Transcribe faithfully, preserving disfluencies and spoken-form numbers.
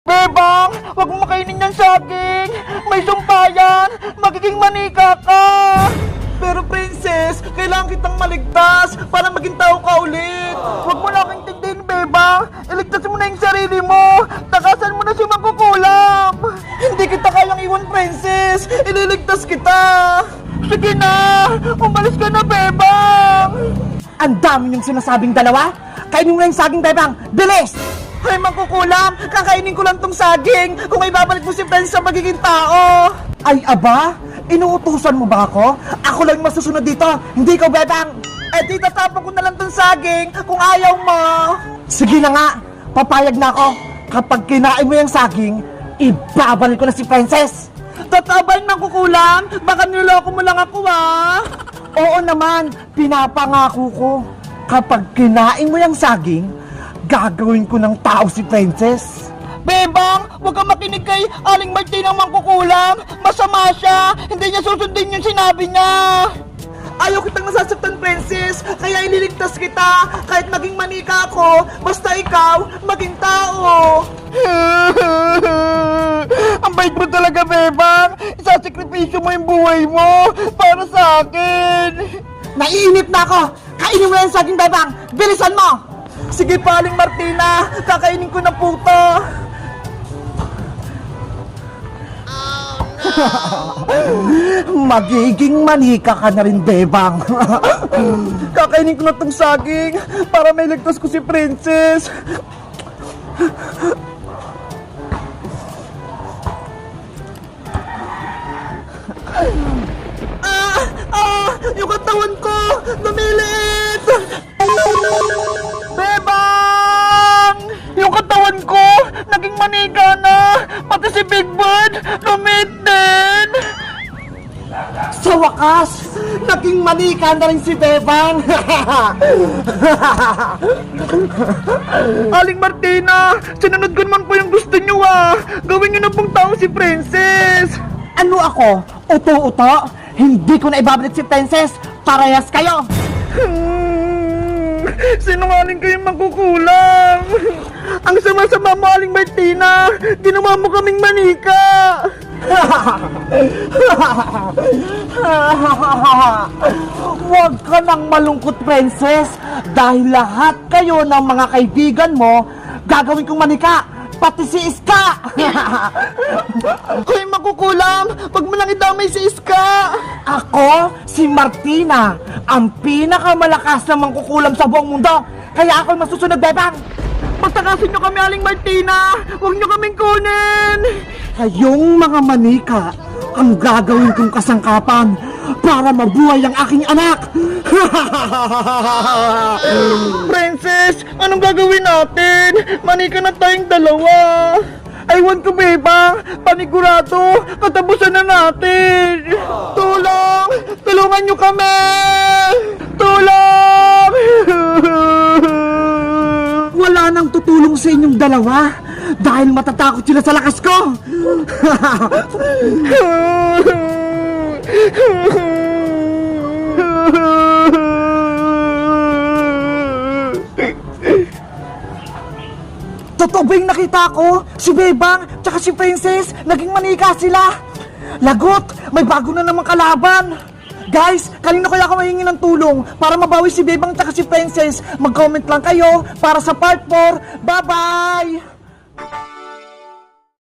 Bebang, huwag mo makainin ng saging. May sumpayan. Magiging manika ka. Pero princess, kailangan kitang maligtas para maging tao ka ulit. Huwag mo na aking tigdin, Bebang. Iligtas mo na yung sarili mo. Takasan mo na si Magkukulam. Hindi kita kayang iwan, princess. Ililigtas kita. Sige na, umalis ka na, Bebang. Ang dami niyong sinasabing dalawa. Kainin mo na yung saging, Bebang. Bilis! Ay, Magkukulam, kakainin ko lang tong saging kung may babalik mo si Princess sa magiging tao. Ay, aba? Inuutusan mo ba ako? Ako lang masusunod dito, hindi ikaw, Bebang. Eh, di tatapon ko na lang tong saging kung ayaw mo. Sige na nga, papayag na ako. Kapag kinain mo yung saging, ibabalik ko na si Princess. Tatabay, Magkukulam, baka niloko mo lang ako, ah. Oo naman, pinapangako ko. Kapag kinain mo yung saging, gagawin ko ng tao si Princess. Bebang, huwag kang makinig kay Aling Martina Magkukulam. Masama siya. Hindi niya susundin yung sinabi niya. Ayaw kitang nasasaktan, Princess. Kaya ililigtas kita. Kahit maging manika ako, basta ikaw, maging tao. Ang bait mo talaga, Bebang. Isasakripisyo mo yung buhay mo para sa akin. Naiinip na ako! Kainin mo yung saging, Bebang! Bilisan mo! Sige pa, Aling Martina. Kakainin ko na po to. Magiging manika ka na rin, Bebang. Kakainin ko na tong saging para may ligtas ko si Princess. Ah! Ah! Yung katawan ko! Lumiliit! Bebang! Yung katawan ko! Naging manika na! Pati si Big Bird! Lumit din! Sa wakas, naging manika na rin si Bebang. Aling Martina! Sinunod ko naman po yung gusto nyo, ah! Gawin nyo na pong tao si Princess! Ano ako? Uto-uto? Hindi ko na ibabalik si Princess. Parehas kayo. Hmm, sinungaling kayong Magkukulam. Ang sama-sama mo, Aling Martina. Ginawa mo kaming manika. Huwag ka nang malungkot, Princess. Dahil lahat kayo ng mga kaibigan mo, gagawin kong manika. Pati si Iska. Hoy, Magkukulam, wag mo lang idamay si Iska. Ako, si Martina, ang pinakamalakas na mangkukulam sa buong mundo. Kaya ako'y masusunod, Bebang. Pagtakasin nyo kami, Aling Martina. Huwag nyo kaming kunin. Kayong mga manika ang gagawin kong kasangkapan para mabuhay ang aking anak. Princess, anong gagawin natin? Manika na tayong dalawa. Aywan ko, Bebang. Panigurado, katapusan na natin. Tulong! Tulungan nyo kami! Tulong! Wala nang tutulong sa inyong dalawa dahil matatakot sila sa lakas ko. Totoo ba yung nakita ko? Si Bebang tsaka si Princess, naging manika sila. Lagot, may bago na namang kalaban. Guys, kanino kaya ako mahingi ng tulong para mabawi si Bebang tsaka si Princess? Mag-comment lang kayo para sa part four. Bye-bye!